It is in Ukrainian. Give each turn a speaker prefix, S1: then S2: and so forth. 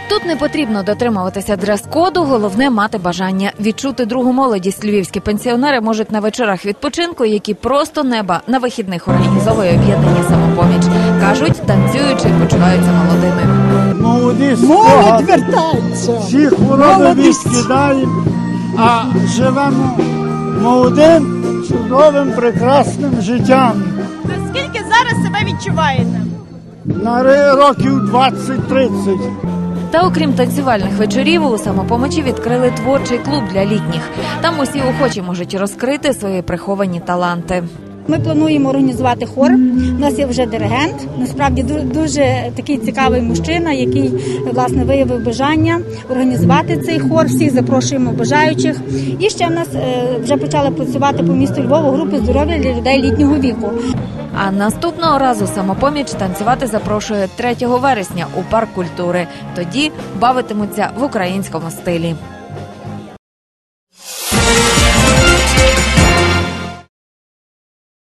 S1: Тут не потрібно дотримуватися дрес-коду, головне – мати бажання. Відчути другу молодість львівські пенсіонери можуть на вечорах відпочинку, які просто неба на вихідних організовує об'єднання «Самопоміч». Кажуть, танцюючи, почуваються молодими.
S2: Молодь вертається.
S3: Всі хвороби відкидаємо, а живемо молодим, чудовим, прекрасним життям.
S2: Наскільки зараз себе відчуваєте?
S3: На років 20-30.
S1: Та окрім танцювальних вечорів, у «Самопомочі» відкрили творчий клуб для літніх. Там усі охочі можуть розкрити свої приховані таланти.
S4: Ми плануємо організувати хор. У нас є вже диригент. Насправді дуже такий цікавий мужчина, який, власне, виявив бажання організувати цей хор. Всіх запрошуємо бажаючих. І ще в нас вже почали працювати по місту Львову групи здоров'я для людей літнього віку.
S1: А наступного разу «Самопоміч» танцювати запрошує 3 вересня у парк культури. Тоді бавитимуться в українському стилі.